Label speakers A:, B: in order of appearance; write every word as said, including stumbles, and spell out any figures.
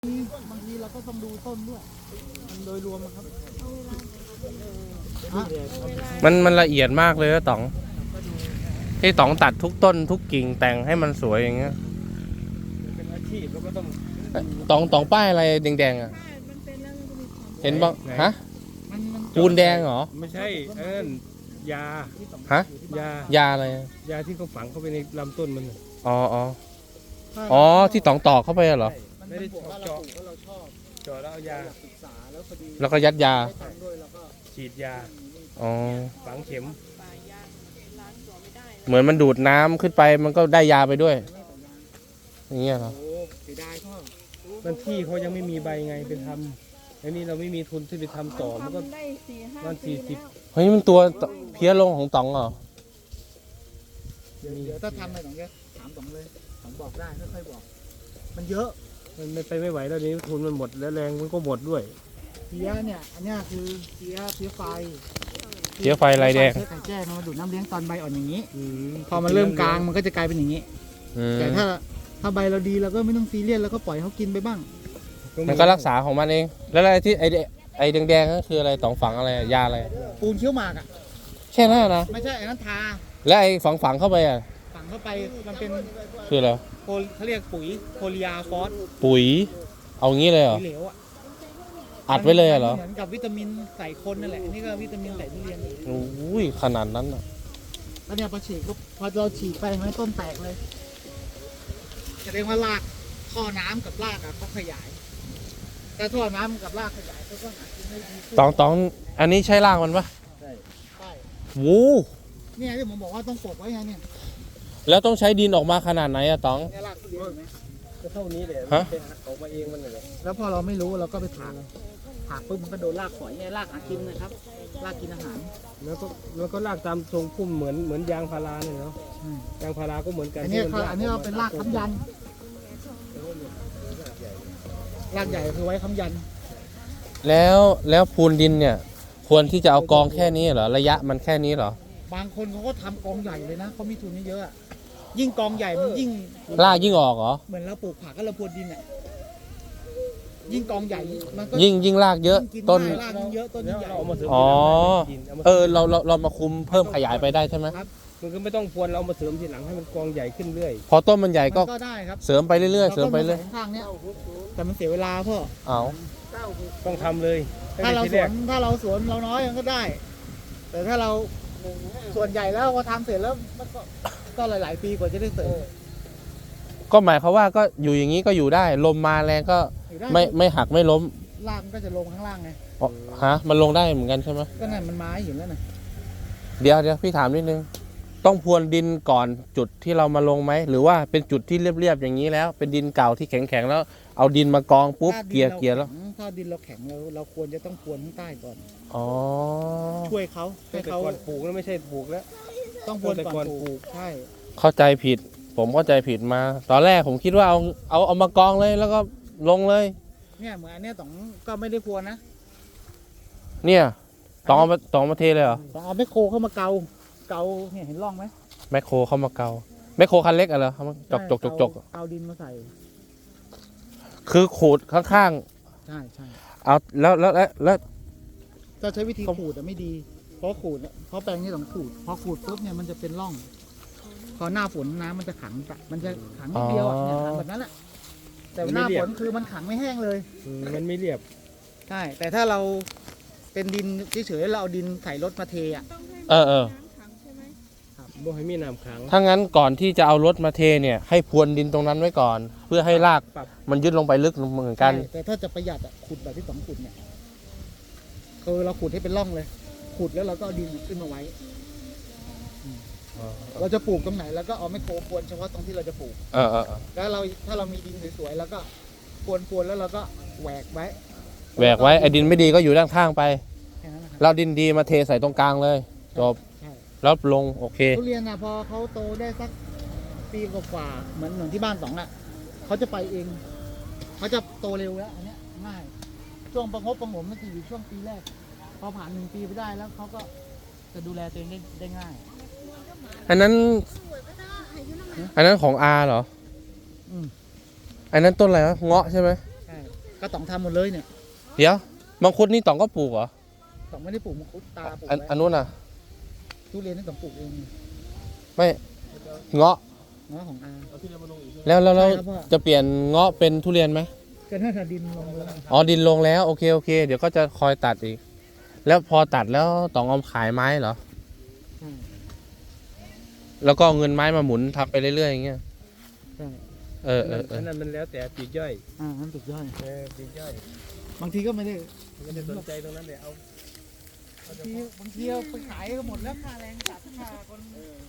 A: บางทีเราก็ต้องดูต้นด้วยมันโดยรวมนะครับ
B: มันมันละเอียดมากเลยนะต๋องที่ต๋องตัดทุกต้นทุกกิ่งแต่งให้มันสวยอย่างเงี้ย
C: เป็นอาชีพแล้วก็ต้อง
B: ต๋องต๋องป้ายอะไรแดงๆอ่ะเห็นบ้างฮะปูนแดงเหรอ
C: ไม่ใช่เอิ้นยา
B: ฮะ
C: ยาย
B: าอะไร
C: ยาที่เขาฝังเข้าไปในลำต้นมันน่ะ
B: อ๋ออ๋ออ๋อที่ต๋องตอกเข้าไปเหรอ
C: ไม่ได้เจาะเจาะแล้วเอายา
B: แล้วก็ยัดยา
C: ฉีดยา
B: อ๋อ
C: ฝังเข็ม
B: เหมือนมันดูดน้ำขึ้นไปมันก็ได้ยาไปด้วยอย่างเงี้ยเหรอ
C: มันที่เขายังไม่มีใบไงไปทำแล้วนี่เราไม่มีทุนที่ไปทำต่อมันก็วันสี่สิบ
B: เฮ้ยมันตัวเพี้ยลงของต๋องเหรอ
A: เดี๋ยวถ้าทำอะไรต๋องจะถามต๋องเลยต๋องบอกได้ค่อยๆบอก มันเยอะ
C: มันไม่ไปไม่ไหวแล้วนี้ทุนมันหมดแล้วแรงมันก็หมดด้วย
A: เพี้ยเนี่ยอันนี้คือเพี้ยเพี้ยไฟ
B: เพี้ยไฟลายแดง
A: เพี้ยไข่แจ้งมันดูดน้ำเลี้ยงตอนใบอ่อนอย่างนี้
C: อืม
A: พอมันเริ่มกลางมันก็จะกลายเป็นอย่างนี้
B: อืม
A: แต่ถ้าถ้าใบเราดีเราก็ไม่ต้องซีเรียสแล้วก็ปล่อยเขากินไปบ้าง
B: มันก็รักษาของมันเอง แล้วอะไรที่ไอแดไอแดงๆนั่นคืออะไรต๋องฝังอะไรยาอะไร
A: ปูนเคี้ยวหมากอ่ะ
B: แค่นั้นนะ
A: ไม่ใช่ไอ้นั้นทา
B: แล้วไอฝังฝังๆเข้าไปอ่ะ
A: ฝังเข้าไปมันเป็น
B: คืออะไร
A: โพลเขาเรียกปุ๋ยโพลีอาฟอส
B: ปุ๋ยเอางี้เลยเหรอ
A: ปุ๋ยเหลวอ่ะ
B: อัดไว้เลยเหรอ
A: เหมือนกับวิตามินใส่คนนั่นแหละอันนี่ก็วิตามินใส่ทุเรียน
B: โอ้ยขนาดนั้นอ่ะ
A: แล้วเนี่ยพอฉีดก็พอเราฉีดไปมันต้นแตกเลยแสดงว่ารากท่อน้ำกับรากอะเขาขยายแต่ท่อน้ำกับรากขยายเขาก็หากินได้ดีขึ้น
B: ตองตองอันนี้ใช้รากมันปะ
A: ใช่
B: วู
A: เนี่ยที่ผมบอกว่าต้องปลูกไว้ไงเนี่ย
B: แล้วต้องใช้ดินออกมาขนาดไหนอะตอง
A: เนี่ยรากทุเรียนเห็นไหม
C: ก็เท่านี้แหละ
B: ฮะ
C: ไปหักออกมาเองมันเลย
A: แล้วพอเราไม่รู้เราก็ไปถากถากปุ๊บมันก็โดนรากฝอยเนี่ยรากหากินนะครับรากกินอาหาร
C: แล้วก็แล้วก็ลากตามทรงพุ่มเหมือนเหมือนยางพาราเนี่ยเนาะ
A: อืม
C: ยางพาราก็เหมือนกัน
A: อันนี้
C: ที่มั
A: เขา
C: ล
A: อันนี้เราเป็นรากค้ำยันรากใหญ่คือไว้ค้ำยัน
B: แล้วแล้วปูนดินเนี่ย ควรที่จะเอากองแค่นี้เหรอระยะมันแค่นี้เหรอ
A: บางคนเขาก็ทำกองใหญ่เลยนะเขามีทุนเยอะๆอะยิ่งกองใหญ่มันยิ่ง
B: รากยิ่งออกเหรอ
A: เหมือนเราปลูกผักก็เราพรวนดินอ่ะยิ่งกองใหญ่มันก็
B: ยิ่งยิ่งรากเยอะ
A: กิน
B: ต้น
A: ได้รากมันเยอะต้น
C: แล้ว
A: ใหญ่
C: เราเอามาเสริม
B: อ๋อ
C: ทีหลังให้มันกินเอามา
B: เออเราเราเรามาคุมเพิ่มขยายไปได้ใช่ไหม
C: มันก็ไม่ต้องพรวนเราเอามาเสริมทีหลังให้มันกองใหญ่ขึ้นเรื่อย
B: พอต้นมันใหญ่ก็
A: มันก็ได้ครับ
B: เสริมไปเรื่อยๆเสริมไปเรื่อย
A: าก็าใส่ข้างๆเนี้ยแต่มันเสียเวลาพ่อ
B: เอา
C: ต้องทำเลยตั้ง
A: ถ้า
C: แต่
A: เรา
C: ที
A: ส
C: แร
A: ว
C: ก
A: นถ้าเราสวนเราน้อยมันก็ได้ แต่ถ้าเราส่วนใหญ่แล้วพอทำเสร็จแล้วมันก็ก็หลาย ๆ ปีกว่าจะได้เสร็จ
B: ก็หมายความว่าก็อยู่อย่างนี้ก็อยู่ได้ ลมมาแรงก็
A: อยู่ได้
B: ไม่ไม่หักไม่ล้ม
A: รากมันก็จะลงข้างล่างไง
B: อ๋อฮะมันลงได้เหมือนกันใช่ไหม
A: ก็นั่นมันไม้อยู่แล้วนะ
B: เดี๋ยวเดี๋ยวพี่ถามนิดนึง ต้องพรวนดินก่อนจุดที่เรามาลงไหมหรือว่าเป็นจุดที่เรียบๆอย่างนี้แล้ว เป็นดินเก่าที่แข็งๆแล้วเอาดินมากองปุ๊บ
A: ถ้าดิน
B: เกลี่ย
A: รา
B: เกลี่ยแล้ว
A: แข็งถ้าดินเราแข็งเราเราควรจะต้องพรวนข้างใต้ก่อน
B: อ๋อ
A: ช่วยเขาให้
C: แต่
A: เขา
C: ก่อนปลูกแล้วไม่ใช่ปลูกแล้ว
A: ต้องพรวน
C: แต่
A: ก่
C: ก่
A: อ
C: อน น
A: ป
C: ปลู
A: ลูก
C: ก
A: ใช่
B: เข้าใจผิด ผมเข้าใจผิดมา ตอนแรกผมคิดว่าเอาเอาเอามากองเลยแล้วก็ลงเลย
A: เนี่ยเหมือนอันเนี้ยต้องก็ไม่ได้พรวนนะ
B: เนี่ยต้องเอามาต้องเอามาเทเลยเหรอ
A: ต้องเอาแมคโครเข้ามาเกาเกาเนี่ยเห็นร่องไหม
B: แมคโครเข้ามาเกาแมคโครคันเล็กอะเหรอเอามาจกจกจกจก
A: เาเกาดินมาใส่
B: คือขูดข้าง
A: ใช่ใช่
B: ๆเอาแล้วแล้วแล้วแล้ว
A: ถ้าใช้วิธีขูดอะไม่ดี เพราะขูดอะเพราะแปลงนี่ต้องขูด พอขูดปุ๊บเนี่ยมันจะเป็นร่อง พอหน้าฝนน้ำมันจะขังปะมันจะขังนิดเดียวอะเนี่ยขังแบบนั้นแหละแต่หน้าฝนคือมันขังไม่แห้งเลย
C: อืมมันไม่เรียบ
A: ใช่ แต่ถ้าเราเป็นดินเฉยๆเราเอาดินใส่รถมาเทอ่ะ
B: เออเออ
C: บ่ให้มีน้ำขัง
B: ถ้างั้นก่อนที่จะเอารถมาเทเนี่ย ให้พรวนดินตรงนั้นไว้ก่อน เพื่อให้ราก
C: ปรับ
B: มันยึดลงไปลึกเหมือนกัน
A: ใช่แต่ถ้าจะประหยัดอ่ะขุดแบบที่สองขุดเนี่ยคือเราขุดให้เป็นร่องเลย ขุดแล้วเราก็เอาดินขึ้นมาไว้ เราจะปลูกตรงไหนแล้วก็เอาไมโครพรวนเฉพาะตรงที่เราจะปลูก
B: เออเออเออ
A: แล้วเราถ้าเรามีดินสวยๆแล้วก็พรวนพรวนแล้วเราก็แหวกไว้
B: แหวกไว้ไอ้ดินไม่ดีก็อยู่ด้านข้างไป
A: แค่นั้นนะครับ
B: เราดินดีมาเทใส่ตรงกลางเลยจบ
A: ใช่
B: แล้วลงโอเค
A: ทุเรียนอ่ะพอเขาโตได้สักปีกว่าๆเหมือนเหมือนที่บ้านสองอ่ะเขาจะไปเองเขาจะโตเร็วแล้วอันเนี้ยง่ายช่วงประงบประหงมมันจะอยู่ช่วงปีแรก พอผ่านหนึ่งปีไปได้แล้วเขาก็จะดูแลตัวเองได้ได้ง่าย
B: อันนั้น อันนั้นของอาเหรอ
A: อืม
B: อันนั้นต้นอะไรวะเงาะใช่ไหม
A: ใช่ก็ต้องทำหมดเลยเนี่ย
B: เดี๋ยวมังคุดนี่ต่องก็ปลูกเหรอ
A: ต้องไม่ได้ปลูกมังคุดตาปลูก
B: อัน
A: ไว้
B: อันนู้นน่ะ
A: ทุเรียนนี่ต้องปลูกเอง
B: ไม่เงาะ
A: เงาะของอา
C: เอาที่เรามาลงอีก
B: แล้วแล้วเรา
A: ใช่ครับพ่อ
B: จะเปลี่ยนเงาะเป็นทุเรียนไหม
A: ก็น่าจะดินลงเลย
B: อ๋อดินลงแล้วโอเคโอเค เดี๋ยวก็จะคอยตัดอีก แล้วพอตัดแล้วต้องเอาขายไม้เหรอ
A: ใช่
B: แล้วก็เอาเงินไม้มาหมุนทำไปเรื่อยๆอย่างเงี้ย
A: ใช่
B: เออเออเอ
C: อั
B: อน
C: นั้นมันแล้วแต่ปลีกย่อย
A: อ่าน้ำตกย่อย
C: เออปลีกย่อย
A: บางทีก็ไม่ได้
C: ไม่ได้สนใจตรงนั้นเลยเอา
A: บางทีบางทีเอาไปขายก็หมดแล้วค่าแรงตัดค่าคน